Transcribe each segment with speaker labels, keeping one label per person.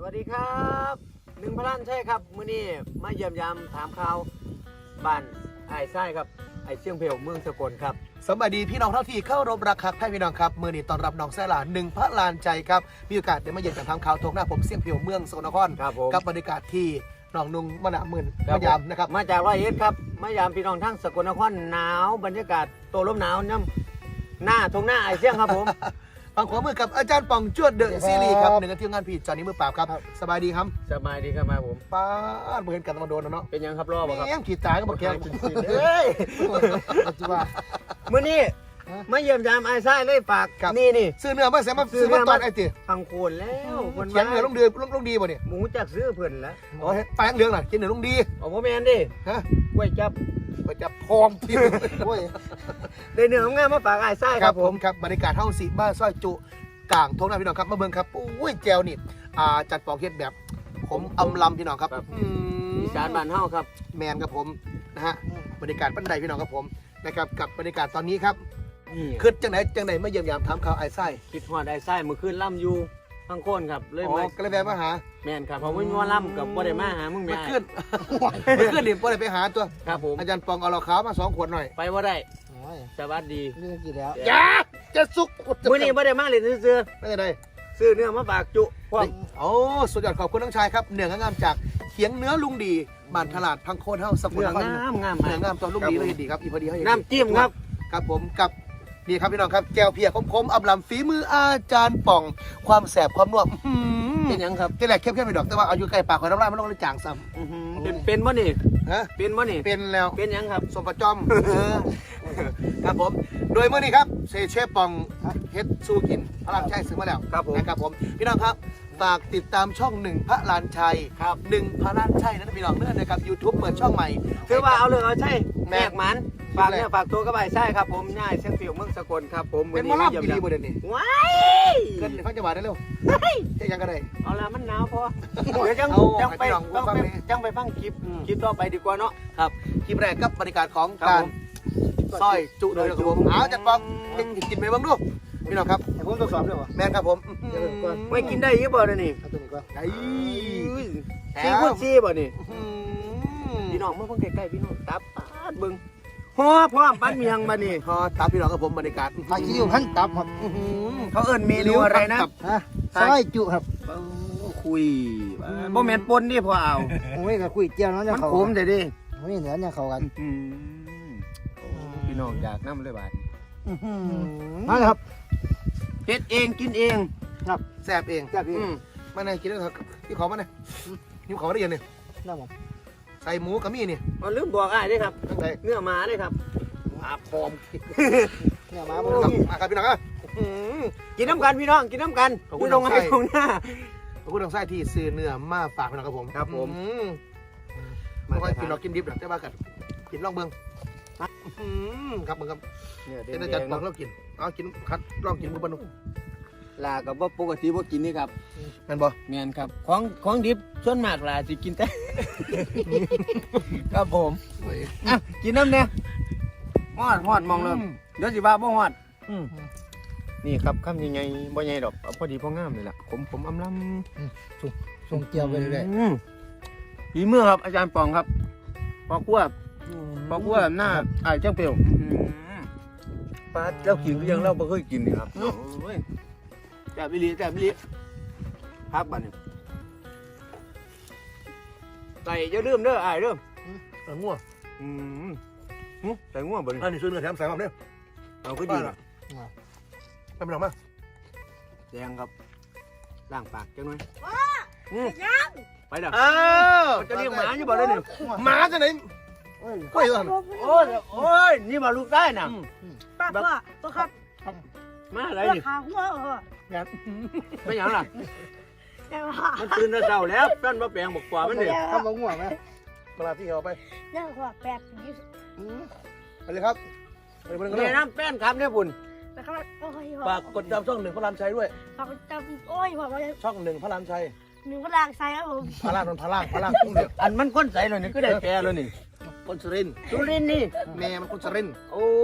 Speaker 1: วัสดีครับหนึ่งพลันใช่ครับมื้อนี้มาเยี่ยมยามถามข่าวบ้านไอ้ไส้ครับไอ้เชียงเพลเมืองสกลครับ
Speaker 2: สวัสดีพี่น้องเท่าที่เข้ารบรักครับพี่น้องครับมือนี้ต้อนรับน้องแซ่หลานหนึ่งพระลานใจครับมีโอกาสได้มาเยี่ยมจากทางข่าวทงหน้าผมเสี่ยงเพียวเมืองสกลนคร
Speaker 1: ครับผม
Speaker 2: กับบรรยากาศที่หนองนุงมะนาวหมื่น
Speaker 1: ครับ
Speaker 2: มะยามนะครับ
Speaker 1: มาจาก100 เอ็ดครับมายามพี่น้องทั้งสกลนครหนาวบรรยากาศโตลมหนาวน้ำหน้าทงหน้าไอ้เชียงครับผม
Speaker 2: ฟังขวามือกับอาจารย์ป่องจวดเดอะซีรีส์ครับหนึ่งในทีมงานผีจอห์นนี่มือปราบครับสบายดีครับ
Speaker 1: สบายดีครับมาผม
Speaker 2: ป้าดเหมือนกันมาโดนเนาะ
Speaker 1: เป็นยังครับรอบ่ครับ
Speaker 2: แม่งขีดตายก็บอกแก
Speaker 1: เฮ้ย
Speaker 2: จุว่า
Speaker 1: มื้อนี้มาเยี่ยมยามไอ้ไส้เลยฝาก
Speaker 2: ครับ
Speaker 1: นี่
Speaker 2: ซื้อเนื้อมาเสียมาซื้อมาตอนไอ้ตี
Speaker 1: ฟังโคนแล้วคน
Speaker 2: เขียนเนื้อลงเดือลงดีป่ะเนี่ย
Speaker 1: หมูจักซื้อเพิ่นแล้ว
Speaker 2: โอ้ยแป้งเหลืองน่ะกินเนื้อลงดี
Speaker 1: เอาบ่แม่นดิ
Speaker 2: ฮะ
Speaker 1: กล้วยจับ
Speaker 2: ไปจับพร้อมที่โอ้ย
Speaker 1: ได้เนื้องามมาฝากไอ้ไส้
Speaker 2: ค
Speaker 1: ค
Speaker 2: รั
Speaker 1: รั
Speaker 2: บบ ผ
Speaker 1: ผม ม
Speaker 2: ครับบรรยากาศห้องสีบ้านซอยจุกลางทงหน้าพี่น้องครับมาเบิ่งครับอุ้ยแจวนี่จัดปอกเฮ็ดแบบผมอำลำพี่น้องครับ
Speaker 1: อีสานบ้านเฮาครับ
Speaker 2: แมนครับผมนะฮะบรรยากาศบันไดพี่น้องครับผมนะครับกับบรรยากาศตอนนี้ครับ
Speaker 1: นี่
Speaker 2: คือจังไหนมาเยี่ยมยามถามข่าวไอ้ไส้
Speaker 1: คิดฮอดไอ้ไส้มื้อคืนล่ำอยู่ทั้งโคนครับเลย
Speaker 2: อ๋อ
Speaker 1: มา
Speaker 2: ก็เลยแวะมาหา
Speaker 1: แม่นครับเพราะว่ามีว่าล่ำกับบ่ได้มาหามึง
Speaker 2: มา
Speaker 1: แม่
Speaker 2: ขึ้นดิบ่ได้ไปหาตัว
Speaker 1: ครับผม
Speaker 2: อาจารย์ปองเอาเหล้าขาวมา2 ขวดหน่อย
Speaker 1: ไปบ่ได้สวัสดี
Speaker 3: เรื่องกี่แล้ว
Speaker 2: อย่าจะสุก
Speaker 1: มื้อนี้บ่ได้มาเล่นซื่อ
Speaker 2: ไม่ได้
Speaker 1: ๆซื้อเนื้อมาฝากจุพร้อม
Speaker 2: โอ้สุดยอดขอบคุณน้องชายครับเนื้องามจากเขียงเนื้อลุงดีบ้านตลาดพังโคนเฮาสกุล
Speaker 1: เนื้อน
Speaker 2: คร
Speaker 1: งามงาม
Speaker 2: เนื้องามตัวลุงดีเลยดีครับอีพอดีเขา
Speaker 1: น้ำจิ้มครับ
Speaker 2: ครับผมกับนี่ครับพี่น้องครับแก้วเพียคมๆอำลำฝีมืออาจารย์ป่องความแสบความนัว
Speaker 1: เป็นหยังครับ
Speaker 2: แค่แรกเข้มๆไปดอกแต่ว่าเอาอยู่ใกล้ปากคอยน้ำลายมันต้องเลยจางซ้
Speaker 1: เป็นบ่นี่
Speaker 2: ำฮะ
Speaker 1: เป็นบ่นี่
Speaker 2: เป็นแล้ว
Speaker 1: เป็นหยังครับ
Speaker 2: สมประจอมครับผมโดยเมื่อนี้ครับเชฟป่องเฮ็ดสู้กินพระรามชัยซื้อมาแล้ว
Speaker 1: ครับผม
Speaker 2: นะครับผมพี่น้องครับฝากติดตามช่องหนึ่งพระลานชัย
Speaker 1: ครับ
Speaker 2: หนึ่งพระลานชัยนั่นพี่น้องเนื่องนะครับ YouTube เปิดช่องใหม่
Speaker 1: คือว่าเอาเรื่องเอาใช่
Speaker 2: แม่
Speaker 1: แมกหมันฝากเนี่ยฝากตัวกับไอ้ไส้ครับผมง่ายเชียงฟิวเมืองสกลครับผม
Speaker 2: เป็นหมอลำดีๆบ่เดี๋ยวนี้
Speaker 1: ว้าย
Speaker 2: เกินฟังจังหวะได้เร็วแค่ยังก็ได้
Speaker 1: เอาละมันหนาวพอเดี๋ยวจัง
Speaker 2: เอา
Speaker 1: จังไป
Speaker 2: ให้พี่น้อง
Speaker 1: จัง
Speaker 2: ฟัง
Speaker 1: ไป
Speaker 2: นี่
Speaker 1: จังไปฟังคลิปคลิปต่อไปดีกว่าเนาะ
Speaker 2: ครับคลิปแรกกับบรรยากาศของ
Speaker 1: ครับ
Speaker 2: การ
Speaker 1: ผม
Speaker 2: ซอยจุโดยครับผมเอาจัดปองกินไปบ้างดูพี่น้องครับ
Speaker 3: แต่ผมต้องสอบด้วยวะ
Speaker 2: แมนครับผม
Speaker 1: ไม่กินได้ยี่บ่เดี๋ยวนี้
Speaker 3: เอาตัวนี้ก่อน
Speaker 2: ไอ้
Speaker 1: ซี่พูดซี่บ่นี่พี่น้องมาเพิ่งใกล้ๆพี่น้องตับปาดเบิ่งฮอพร้อมปั้นเมียงมานี่
Speaker 2: พอตามพี่น้องกับผมบรรยากาศ
Speaker 3: ผักขี้อยู่ขั้นตับครับ
Speaker 1: เขาเอิ้นเมนูอะไรนะ
Speaker 3: ฮะซอยจุครับ
Speaker 1: คุยบ่แม่นปนดิพอเอา
Speaker 3: โอ้ยก็คุยเจียวเนาะจะ
Speaker 1: มัน
Speaker 3: เขา
Speaker 1: ขมแต่ดิ
Speaker 3: โอ้ยเหนือเนี่ยเขากัน
Speaker 1: พี่น้องอยากนำเลยบาด
Speaker 3: นั่นแหละครับ
Speaker 1: เฮ็ดเองกินเอง
Speaker 2: แซ่บเอง
Speaker 3: จากนี้
Speaker 2: มาไหนกินแล้วครับพี่ขอมาไหนหิวขอได้ยังเนี่ย
Speaker 3: ได้ผม
Speaker 2: ใส่หมูกับมี่นี่
Speaker 1: มันลืมบอกอ้ายเด้ครับ
Speaker 2: ตั้งใจ
Speaker 1: เนื้อหมาเด้ครับ
Speaker 2: อาพร้อม
Speaker 3: เนี่ยมา
Speaker 2: ค
Speaker 3: บ
Speaker 2: รับ
Speaker 3: น
Speaker 2: มาครับพี่น้องครับ
Speaker 1: กินน้ำกันพี่น้องกินน้ำกัน
Speaker 2: ขอบคุณ
Speaker 1: ตรงไหน
Speaker 2: น้องไส้
Speaker 1: ตรงหน้า
Speaker 2: ขอบคุณทางไส้ที่ซื้อเนื้อมาฝากพี่น้องครับผม
Speaker 1: ครับผม
Speaker 2: ไม่ค่อยกินเรากินดิบหรอกแต่ว่ากันกินลองเบิ่งครับมึงครับ
Speaker 1: เนี่ยเด็
Speaker 2: เป็นอาจารย์
Speaker 1: ก
Speaker 2: บอกเรากินเอากินคัดลองกินมือปนุ
Speaker 1: ลากับว่าปกติบ่กินนี่ครับ
Speaker 2: แม่นบ่
Speaker 1: แม่นครับของดิบส่วนมากลาสิกินแต่ ครับผมอ่ะกินน้ำเนี่ยฮอดมองเลยเดี๋ยวสิว่าบ่ฮอดนี่ครับคำยังไงบ่ใหญ่ดอกเอาพอดีพองามเลยล่ะผมอำลำ
Speaker 3: ส่งเจียวไปเรื่อย
Speaker 1: ฝีมือครับอาจารย์ปองครับพอคั่วหน้าไอ้ายเจ้าเปรียวปลาเจ้ากินก็ยังเราไม่เคยกินนี่ครับแจ่บบิลีครับบัดนี้ใส่จะเริ่มเด้อไอ้ายเริ่ม
Speaker 2: ง่วง
Speaker 1: ใส่ง่วงบัดนี้
Speaker 2: อันนี้ซื้อเนื้อแถมใส่ความเนี่ย
Speaker 1: เอาก็ดีนะ
Speaker 2: ไม่เป็นไรมั้ง
Speaker 1: แดงครับล้างปากจังหน่อย
Speaker 4: ยัง
Speaker 1: ไปเด้อ
Speaker 2: อ้าว
Speaker 1: มันจะเรียกหมาอยู่บ่ได้นี่
Speaker 2: หมาจะไหน
Speaker 3: โอ้ย
Speaker 2: กล้วยตัว
Speaker 1: โอ้ยนี่บ่ลูกได้น่ะ
Speaker 4: ป้าพ่อตัวครับ
Speaker 1: มาอะไร
Speaker 4: ตัว
Speaker 1: นี่
Speaker 4: ขาหัวเหรอ
Speaker 1: ไม่หยังล่ะ
Speaker 4: แต่ว่า
Speaker 1: มันตื่นแต่เช้าแล้วแป้นมาแปลงบอกกว่ามันนี่
Speaker 3: ทำมะม่วงไหม
Speaker 2: มาลาที่เขาไป
Speaker 4: เนี่ยหัวแปดยี่สิบ
Speaker 2: ไปเลยครับไปเบิ่งกันเล
Speaker 1: แม่
Speaker 2: ย
Speaker 1: น้ำแป้นครับเนี่ยบุญ
Speaker 4: นะครับโอ้ย
Speaker 2: ฝากกดติดตามช่องหนึ่งพระรามชัยด้วย
Speaker 4: ฝากกดติดตามโอ้ยหัว
Speaker 2: ช่องหนึ่งพระรามชัย
Speaker 4: หนึ่งพลังใส่ครับผม
Speaker 2: พระรามนนพระรามทุ่งเดียว
Speaker 1: อันมันก้นใสเลยนี่ก็ได้แปลเลยนี่
Speaker 2: คนสุรินทร์
Speaker 1: สุรินทร์นี่
Speaker 2: แม่มันคนสุรินทร์
Speaker 1: โอ้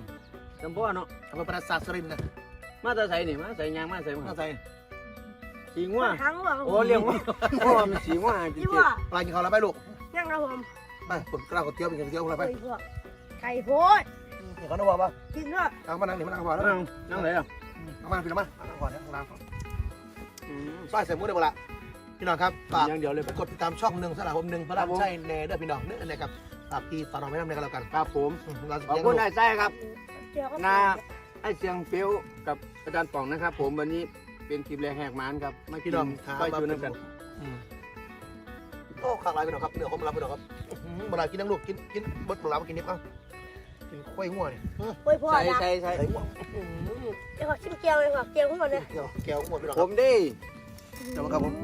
Speaker 1: จำพ่อเนาะ
Speaker 2: อำเภอปราสาทสุรินทร์นะ
Speaker 1: มาแตาใส่นี่มาใส่ยางมาใส่มา
Speaker 2: น่าใจ
Speaker 1: สีง่ว
Speaker 4: ทั้งหัว
Speaker 1: โอ้เลี้ยงว่าโอ้มันสีง่วจริ
Speaker 4: ที่
Speaker 1: ง
Speaker 4: ว่า
Speaker 2: ปลากินข้าวแล้วไปลูก
Speaker 4: ยังครับผม
Speaker 2: ไปผมกล้าวก๋วยเตี๋ยวไปกินก๋วยเตี๋ยวอะไรไป
Speaker 4: ไก่พวกไก่โพด
Speaker 2: เห็นเขาได้บอกป่ะ
Speaker 4: กินด้วย
Speaker 2: เอามานั่งนี่มานั่งก่อน
Speaker 1: ๆ
Speaker 2: แล้ว
Speaker 1: นั่งไหนอ่ะ
Speaker 2: เอามาพี่น้องมานั่งก่อนนะล้างก่อนซอยใส่หมูได้หมดละพี่น้องครับฝาก
Speaker 1: อย่างเดียวเลย
Speaker 2: กดติดตามช่องหนึ่งสำหรับผมหนึ่งพระรามใช่แน่เด้อพี่น้องเด้อนะครับฝากพี่ฝากน้องไว้ทำในกันแล้วกัน
Speaker 1: ครับผม
Speaker 2: เราจะ
Speaker 1: ขอบ
Speaker 2: เลี้ยง
Speaker 1: คุ
Speaker 2: ลู
Speaker 1: ณ
Speaker 2: ก
Speaker 1: นายไส้ครับ
Speaker 4: เดี๋ยวก็
Speaker 1: นาไอเสียงเปียวกับอาจารย์ป่องนะครับ ผมวันนี้เป็นคลิปแรกแหกมันครับไม่
Speaker 2: พี่น้องถาม
Speaker 1: ไป
Speaker 2: มา
Speaker 1: จูนกัน
Speaker 2: โอ้ข้างไรพี่น้องครับเนื้อผมรับพี่น้องครับเวลากินน้ำลูกกินบดปลามากินนิดเอ้ากินข้อยหัวนี่
Speaker 4: โอ้ยพ่อ
Speaker 1: ใช่
Speaker 4: นะ
Speaker 1: ใช่ใช่
Speaker 2: ใส่หัว
Speaker 4: เดี๋ยวขอชิมเกี๊ยวเลยค่ะเกี๊ยวทั้งหมดเลย
Speaker 2: แก้วหัวพี่น้อง
Speaker 1: ผ
Speaker 2: ครับ
Speaker 1: มดิ
Speaker 2: เดี๋ยวมาครับผม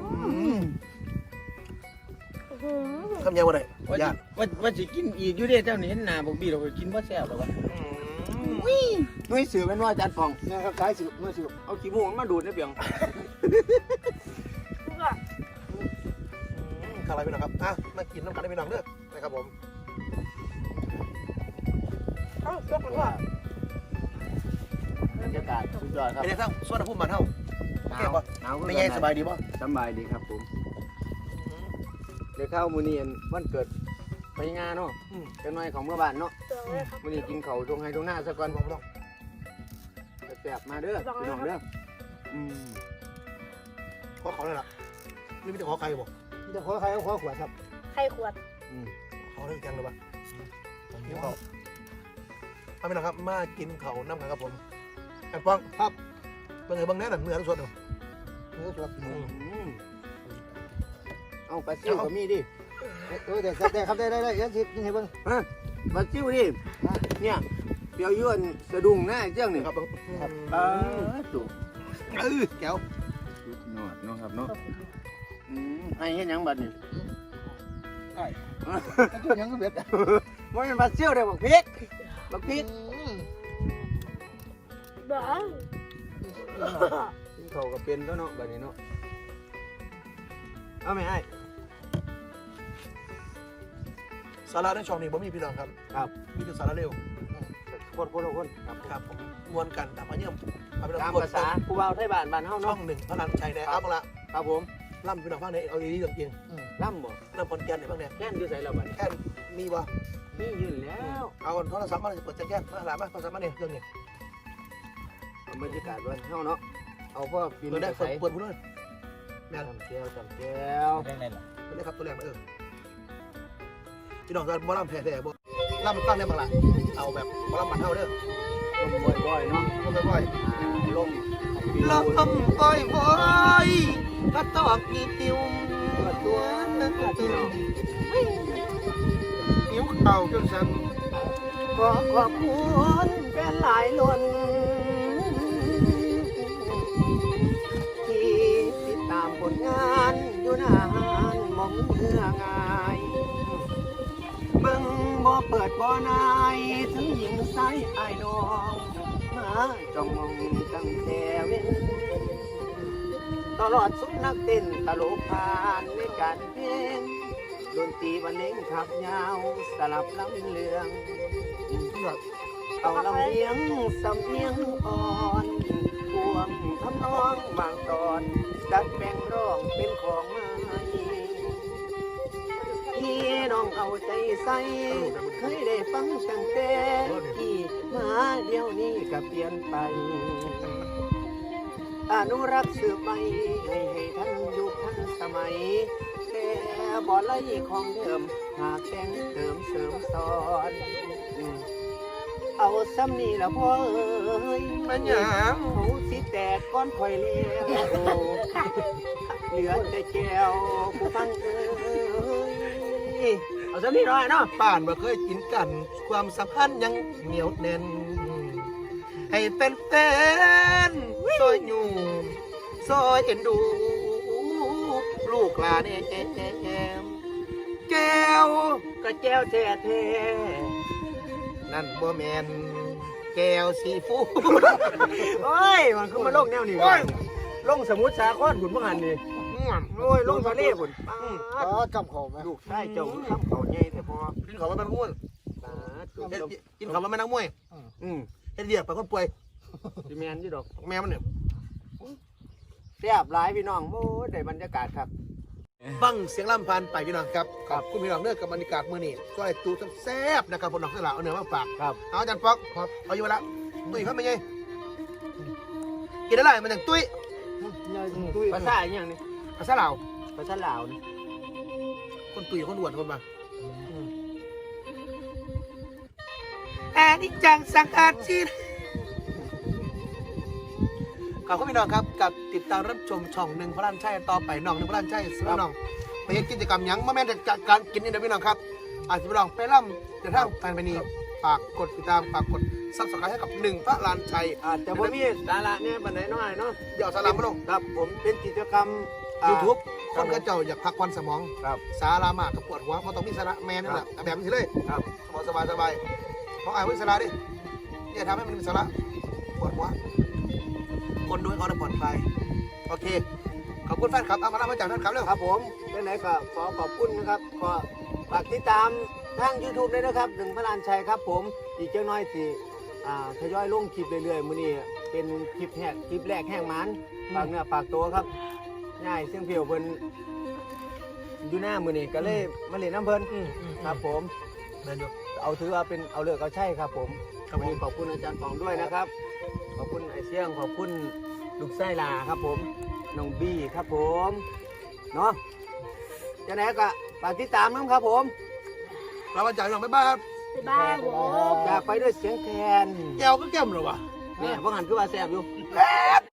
Speaker 4: อื้อหือ
Speaker 2: คำยาวอะไร
Speaker 1: ว่า
Speaker 2: ย่า
Speaker 1: ว่าจะกินอีกอยู่เด้เจ้านี่เห็นหน้าบอกบีเราไปกินบ่แซ่บหรอวะนุ้ยสื่อเป็นว่าอาจารย์ป่อง
Speaker 3: เนี่ยครับสายสิบเมื่อสิบ
Speaker 1: เอาขี้มูกมาดูดนะเปียง
Speaker 4: ทุกอย่าง
Speaker 2: ข้างไรพี่น้องครับอ่ะมากินน้ำกันได้พี่น้องเด้อนะครับผม
Speaker 4: ต้องยกมันว่า
Speaker 1: บรรยากาศสุดยอดครับ
Speaker 2: เป็นไงบ้างสวัสดีผู้มันเท่า
Speaker 1: ห
Speaker 2: แก่
Speaker 1: นาว
Speaker 2: ปะ
Speaker 1: หนาว
Speaker 2: ไม่แย่สบายดีป่ะ
Speaker 1: สบายดีครับผมเดี๋ยวเข้ามื้อนี้วันเกิดไปงานเนาะจะน้อยของเมื่อบ้านเนาะ
Speaker 4: เตือนเลยครับ
Speaker 1: มื้อนี้กินข้าวตรงไห้ตรงหน้าซะก่อน
Speaker 2: บอกพี่น้อง
Speaker 1: แซ่บๆมาเด้อพี่น้องเด้ออืม
Speaker 2: ขอเขาเลยล่ะนี่ไม่ได้ขอใครบอก
Speaker 3: จะขอใครก็ขอขวดครับ
Speaker 4: ไข่ขวด
Speaker 1: อืม
Speaker 2: ขอเรื่องจังเลยป่ะกินเขาเอาพี่น้องครับมากินเขาน้ำกันครับผมแอนฟองครับเป็นไงบ้างแน่นอนเนื้อทั้งส่วนเนาะ
Speaker 3: เนื้อสด
Speaker 1: อืมเอาปลาซิวก็มีดิ
Speaker 3: ได้ครับได้ยังสิกินให้เบิ่ง
Speaker 1: ปลาซิวดิเนี่ยเปียวยื่นสะดุ้งหน้าเจ้านี่
Speaker 2: ครับ
Speaker 1: จุ๊
Speaker 2: แก้ว
Speaker 1: นอดเนาะครับเนาะให้เฮ็ดหยังบัดนี่
Speaker 3: จุดยังก็เบ็ด
Speaker 1: มันเป็นปลาซิวเด้อบักพริกบักพริก
Speaker 4: บ้า
Speaker 1: กินข้าวก็เป็นแล้วเนาะบัดนี้เนาะเอาไหมไอ้
Speaker 2: สาระในช่องนี้ผมมีพี่น้องครับ
Speaker 1: ครับ
Speaker 2: มีแต่สาระเร็ว
Speaker 1: คนครับ
Speaker 2: ครับผมมวนกันตามมาเยี่ยมเอาพี่น้อง
Speaker 1: ตาม
Speaker 2: กด
Speaker 1: ภาษาผู้เบาไทยบ้านบ้านเฮา
Speaker 2: ช่อ
Speaker 1: เนาะ
Speaker 2: งหนึ่งพระรามชัยในอัพละ
Speaker 1: ครับผม
Speaker 2: ล่ำพี่น้องฟังในเอาดีๆเรื่องจริง
Speaker 1: ล่ำบ่
Speaker 2: ล่ำคนแก่นในบ้างเนี่ย
Speaker 1: แค่นอยู่ไสแล้วบัดนี้
Speaker 2: แค่มีบ่
Speaker 1: มียืนแล้ว
Speaker 2: เอาโทรศัพท์มาเปิดแจ้งมาหลานมาโทรศัพท์มาเนี่ยเรื่องนี้
Speaker 1: บรรยากาศบ้านเฮาเนาะเอาพ่อปีน
Speaker 2: เปิดได้
Speaker 1: ใส่
Speaker 2: เปิดพูดเลยแม่น
Speaker 1: จำแก้วจำแก้ว
Speaker 2: เปิดได้ครับตัวแรกนะพี่น้องจะบ่ล่ำแท้ๆบ่ล่ำตั้งได้บ้างล่ะเอาแบบบ่ล่ำมันเท่าเด้อ
Speaker 1: ลมบ่อยๆเนาะ
Speaker 2: ลมบ่อย
Speaker 1: ลม
Speaker 2: ลมบ่อยก็ตอกมีติว
Speaker 1: ตัวพี่น้อง
Speaker 2: นิ้วเข่าจนสั่น
Speaker 1: ขอขอบคุณแฟนหลายล้นที่ติดตามผลงานอยู่นานมองเมื่อง่ายเบิ่งบ่เปิดบ่นายถึงหญิงใสไอ้น้องมาจ้องมองตั้งแต่เว้นตลอดสุดนักเต้นตลกผ่านในการเพลงดนตรีบรรเลงขับยาวสลับลำเลือง เอาลำเลียงสำเนียงอ่อนพวงทำนองบางตอนดัดแปลงร้องเป็นของใหม่พี่น้องเอาใจใส่เคยได้ฟังตั้งแต่ที่มาเดี๋ยวนี้ก็เปลี่ยนไป อนุรักษ์สืบไปให้ทันยุคทันสมัยแต่บ่ไล่ของเดิมหากแต่งเติมเสริมสอน เอาซ้ำนี่ละพ่อเอ้ย
Speaker 2: มันหยัง
Speaker 1: เขาสิแตกก้อนข่อยเลี้ยวเหลือแต่แก้วผู้ฟังเอ้ยเอาซ้ำนี่หน่อยเนาะ
Speaker 2: ป่านบ่เคยกินกัน ความสัมพันธ์ยังเหนียวแน่น ให้เป็นแฟนซอยอยู่ซอยเอ็นดู ลูกหลานแก้ว
Speaker 1: ก็แก้วแท้แท้
Speaker 2: นั่นบ่แมนแก้วซีฟู้ด
Speaker 1: โอ้ยมันคือมาลงแนวนี้
Speaker 2: โอ้
Speaker 1: วะ
Speaker 2: ย
Speaker 1: ลงสมุทรสาครบุญบังหันนี่โอ้ยลงทะเลบุญ
Speaker 3: อ๋อจำเขาไหม
Speaker 1: ลูกชายเจ้าทำเขาใหญ่แต่พอ
Speaker 2: กินข้าวมันเป็นม้วน
Speaker 1: ตาจุ่ม
Speaker 2: กินข้าวมันเป็นนักมวย
Speaker 1: อืม
Speaker 2: เฮ็ดเรียกไปคนป่วย
Speaker 1: สิแมนยี่ดอก
Speaker 2: แม่มันเนี่ย
Speaker 1: แซ่บหลายพี่น้องโอ้ยได้บรรยากาศครับ
Speaker 2: ฟังเสียงลำพันไปพี่น้องครับขอบคุณพี่น้องเนื้อกับบรรยากาศมื้อนี้ก็ไอ้ตูแซ่บนะครับพี่น้องทั้งหลายเอาเนื้อมาฝาก
Speaker 1: ครับ
Speaker 2: เอาอาจารย์ป๊อกครับเอาอยู่ละตุ้ยเขาเป็นไงกินได้ไรมันอย่างตุ้ย
Speaker 1: ภาษาอหย่างนี้
Speaker 2: ภาษาลาว
Speaker 1: ภาษาลาวนี่
Speaker 2: คนตุ้ยคนอ้วนคนมาอันนี้จังสังอาชีพขอบคุณพี่น้องครับกับติดตามรับชมช่องหนึ่งพระรันชัยต่อไปน้องหนึ่งพระรันชัยสำหรับน้องไปเฮ็ดกิจกรรมหยังมาแม่นจากการกินนี่นะพี่น้องครับอาจจะไปลองไปล่ำเดินทางแฟนไปนี่ฝากกดติดตามฝากกดซับสไครต์ให้กับหนึ่งพระรันชัย
Speaker 1: อาจจะบ่มีสาระเนี่ยบันไดน้อยเนาะ
Speaker 2: เดี๋ยวสาระมาลง
Speaker 1: ครับผมเป็นกิจกรรม
Speaker 2: ยูทูบ
Speaker 1: ค
Speaker 2: ค
Speaker 1: รั
Speaker 2: น
Speaker 1: บ
Speaker 2: ก็เจ้าอยากพักผ่อนสมอง
Speaker 1: ครับ
Speaker 2: สาระมากกับปวดหัวเพราะต้องมีสาระแมนนั่นแหละแต่แบบนี้เลย
Speaker 1: ครับ
Speaker 2: สบายสบายของอ่านวิสาระดิเนี่ยทำให้มันมีสาระปวดหัวคนดูให้เขาได้ผ่อนคลายโอเคขอบคุณแฟนคลับเอามาเล่ามาจากแฟนคลับเร็ว
Speaker 1: ครับผมไหนๆก็ขอขอบคุณนะครับขอฝากติดตามทาง YouTube ด้วยนะครับหนึ่งพระลานชัยครับผมอีกเจ้าน้อยสิทยอยลงคลิปเรื่อยๆมื้อนี้เป็นคลิปแรกแห้งมันฝากเนื้อฝากตัวครับง่ายเสียงเพียวเพิ่นอยู่หน้ามื้อนี้ก็เลยมาเล่นน้ำเพิ่นครับผม
Speaker 2: เดินอยู่
Speaker 1: เอาถือว่าเป็นเอาเลือกเอาใช่ครับผม
Speaker 2: ครับผม
Speaker 1: วันนี้ขอบคุณอาจารย์ปองด้วยนะครับ ขอบคุณไอเสี่ยงขอบคุณลูกไส้ลาครับผมน้องบี้ครับผมเนาะจะไหนก็ฝากติดตามน้ำครับผม
Speaker 2: เรามาจากหลังบ๊ายบายครับ
Speaker 4: บ๊ายบายผม
Speaker 1: จากไปด้วยเสียงแคน
Speaker 2: แก้วก็แก้มเหรอวะ
Speaker 1: เนี่ยพวกหันคือว่าแซ่บอยู่